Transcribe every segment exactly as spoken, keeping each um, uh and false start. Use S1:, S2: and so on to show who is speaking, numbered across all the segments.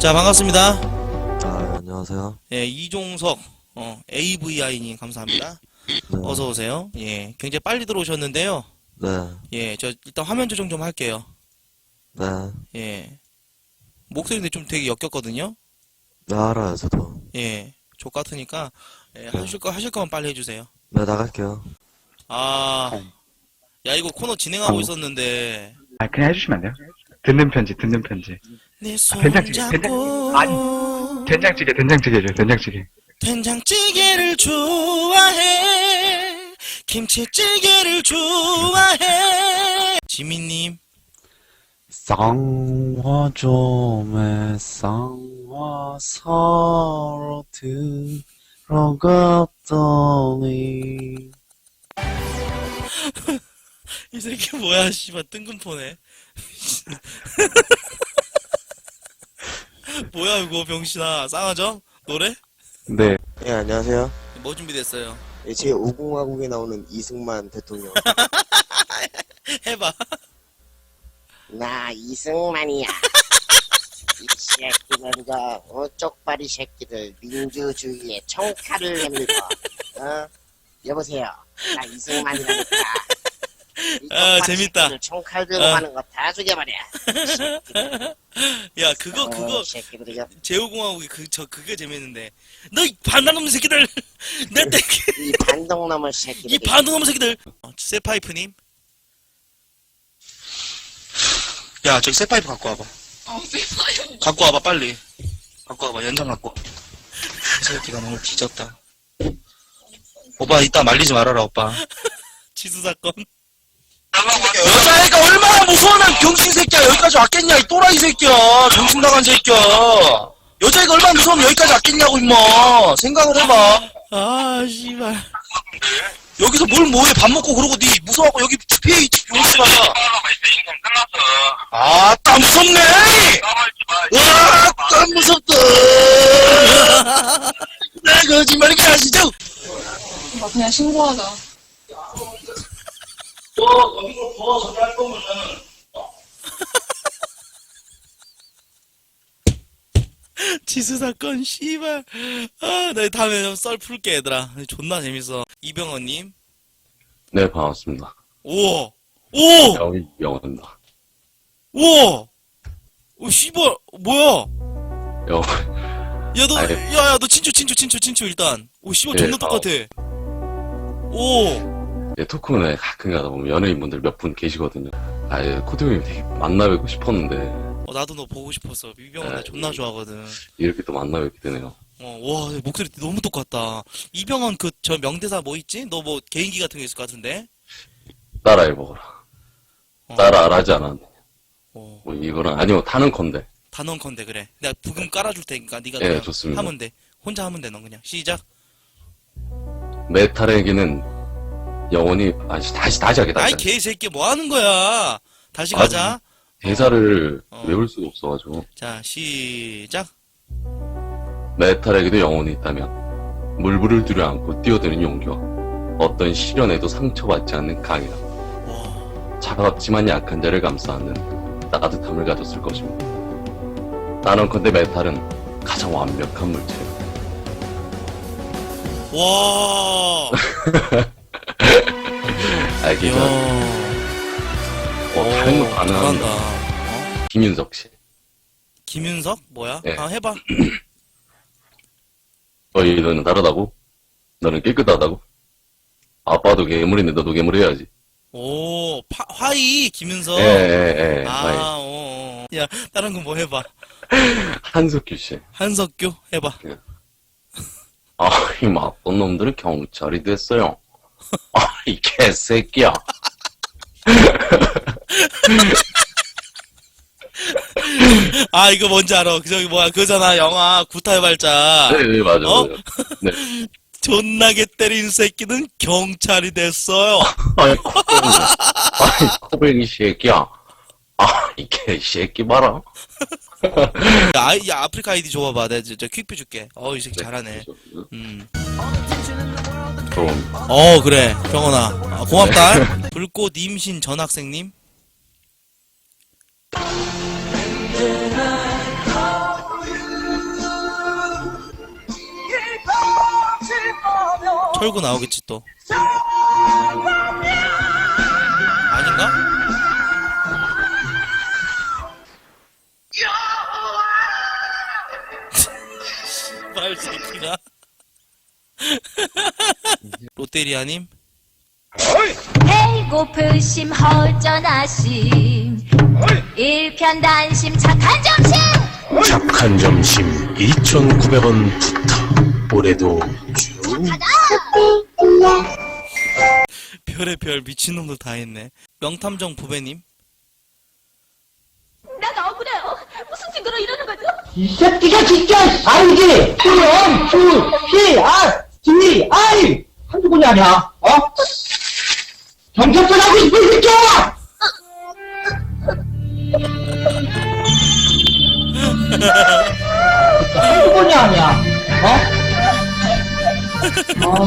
S1: 자, 반갑습니다.
S2: 아, 안녕하세요.
S1: 예, 이종석, 어, 에이브이아이님 감사합니다.
S2: 네.
S1: 어서오세요. 예, 굉장히 빨리 들어오셨는데요.
S2: 네.
S1: 예, 저 일단 화면 조정 좀 할게요.
S2: 네.
S1: 예. 목소리인데 좀 되게 역겹거든요.
S2: 네, 알아요, 저도.
S1: 예, 족 같으니까, 예, 하실 거, 하실 거면 빨리 해주세요.
S2: 네, 나갈게요.
S1: 아, 야, 이거 코너 진행하고 있었는데,
S3: 아, 그냥 해주시면 안 돼요? 듣는 편지, 듣는 편지.
S1: 내 손
S3: 된장찌개,
S1: 잡고,
S3: 된장찌개, 된장찌개 해줘요, 된장찌개.
S1: 된장찌개를 좋아해, 김치찌개를 좋아해. 지민님.
S4: 쌍화 좀에 쌍화 사러 들어갔더니
S1: 이 새끼 뭐야, 씨발, 뜬금포네. 뭐야, 이거, 병신아. 쌍화죠? 노래?
S4: 네.
S5: 네, 안녕하세요.
S1: 뭐 준비됐어요?
S5: 네, 제 오공화국에 나오는 이승만 대통령.
S1: 해봐.
S5: 나 이승만이야. 이 새끼들과 어, 쪽발이 새끼들 민주주의에 청칼을 내밀고 어? 여보세요. 나 이승만이라니까. 이
S1: 아,
S5: 쪽발이
S1: 재밌다.
S5: 새끼들 청칼 들고
S1: 아.
S5: 하는 거 다 죽여버려. 새끼들.
S1: 야, 그거, 그거,
S5: 어, 새끼들 이거
S1: 제오공화국이 그, 저, 그게 재밌는데. 너, 이 반란놈 새끼들! 내 때,
S5: 이 반동놈의 새끼들.
S1: 이 반동놈 새끼들! 어, 세파이프님? 야, 저기 세파이프 갖고 와봐.
S6: 어, 세파이프.
S1: 갖고 와봐, 빨리. 갖고 와봐, 연장 갖고 와. 이 새끼가 너무 뒤졌다. 오빠, 이따 말리지 말아라, 오빠. 지수사건. 여자애가 얼마나 무서워난 병신 새끼야. 여기까지 왔겠냐, 이 또라이 새끼야. 정신 나간 새끼야. 여자애가 얼마나 무서우면 여기까지 왔겠냐고, 임마. 생각을 해봐. 아, 씨발. 여기서 뭘 뭐해, 밥 먹고 그러고 니 무서워하고 여기 피해, 이 병신아. 아, 딱 무섭네! 와, 딱 무섭다! 나 거짓말이게 하시죠?
S6: 나 그냥 신고하자.
S1: 너, 거기서 더 저기 할 거면은, 지수사건, 씨발. 아, 나 다음에 좀 썰 풀게, 얘들아. 존나 재밌어. 이병헌님.
S4: 네, 반갑습니다.
S1: 우와! 오!
S4: 여기 영원입니다.
S1: 우와! 오, 씨발, 뭐야?
S4: 영
S1: 야, 너,
S4: 아니.
S1: 야, 야, 너 친추, 친추, 친추, 친추, 일단. 오, 씨발,
S4: 예,
S1: 존나 똑같아. 오!
S4: 예, 토크문에 가끔 가다 보면 연예인분들 몇 분 계시거든요. 아, 예, 코드 형님 되게 만나뵙고 싶었는데
S1: 어, 나도 너 보고 싶었어. 이병헌 나
S4: 네.
S1: 존나 좋아하거든.
S4: 이렇게 또 만나뵙게 되네요.
S1: 어, 와, 목소리 너무 똑같다. 이병헌 그, 저 명대사 뭐 있지? 너 뭐 개인기 같은 거 있을 것 같은데?
S4: 따라해보거라.
S1: 어,
S4: 따라 안 하지 않았네.
S1: 어,
S4: 뭐 이거는 아니면 타는 건데.
S1: 단언컨대, 그래. 내가 부금 깔아줄 테니까 네가
S4: 예,
S1: 그냥
S4: 좋습니다.
S1: 하면 돼. 혼자 하면 돼, 너 그냥. 시작.
S4: 메탈에게는 영원히 아시 다시 다시 하게
S1: 아이,
S4: 다시.
S1: 개새끼, 뭐 하는 거야? 다시 가자.
S4: 대사를
S1: 어.
S4: 외울 수가 없어가지고.
S1: 자, 시작.
S4: 메탈에게도 영혼이 있다면 물불을 두려안고 뛰어드는 용기와 어떤 시련에도 상처받지 않는 강이라
S1: 와,
S4: 차갑지만 약한 자를 감싸는 따뜻함을 가졌을 것입니다. 나는컨대 메탈은 가장 완벽한 물체예요.
S1: 와,
S4: 알겠죠?
S1: 이야.
S4: 어, 다른 거
S1: 오,
S4: 가능합니다.
S1: 잘한다. 어?
S4: 김윤석 씨.
S1: 김윤석? 뭐야?
S4: 예.
S1: 아, 해봐.
S4: 너희는 다르다고? 너는 깨끗하다고? 아빠도 괴물인데 너도 괴물 해야지.
S1: 오, 파, 화이, 김윤석.
S4: 예, 예, 예.
S1: 아,
S4: 아이,
S1: 어, 어. 야, 다른 거 뭐 해봐.
S4: 한석규 씨.
S1: 한석규? 해봐.
S4: 아, 이 나쁜 놈들은 경찰이 됐어요. 아, 이 개새끼야.
S1: 아, 이거 뭔지 알아. 그 저기 뭐야, 그거잖아. 영화 구타의 발자.
S4: 네, 네, 맞아,
S1: 어?
S4: 맞아. 네.
S1: 존나게 때린 새끼는 경찰이 됐어요.
S4: 아이, 코뱅이. 아이, 코뱅이 새끼야. 아, 이 개새끼 봐라.
S1: 야, 아이- 야, 아프리카 아이디 줘봐봐. 내가 저, 저 퀵뷰 줄게. 어, 이 새끼 잘하네.
S4: 그래서,
S1: 음.
S4: 좀,
S1: 어, 그래. 병원아. 아, 고맙다. 불꽃 임신 전학생님. 털고 나오겠지 또. 아닌가? 말 새끼가. 롯데리아님?
S7: 배고프심 허전하심 일편단심 착한 점심
S8: 착한 점심 이천구백 원부터 올해도 쭉
S1: 별의 별 미친놈도 다 했네. 명탐정 부배님?
S7: 난 억울해요. 무슨 증거로 이러는 거죠?
S9: 이 새끼가 진짜 알지? 수영, 수, 시, 아, 지, 아이! 한두 번이 아니야, 어? 경찰서 가고 싶은 새끼야! 한두 번이 아니야, 어? 어.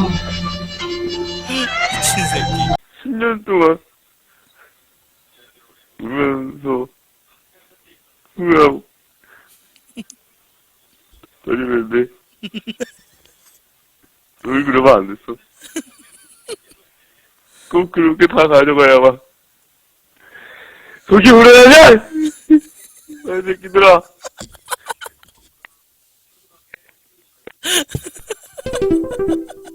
S1: 미친 새끼.
S10: 십 년 동안 울면서 후회하고 다니는데 널 그러면 안 됐어. 꼭 그렇게 다 가져가야만 속이 우려나냐? 이 새끼들아.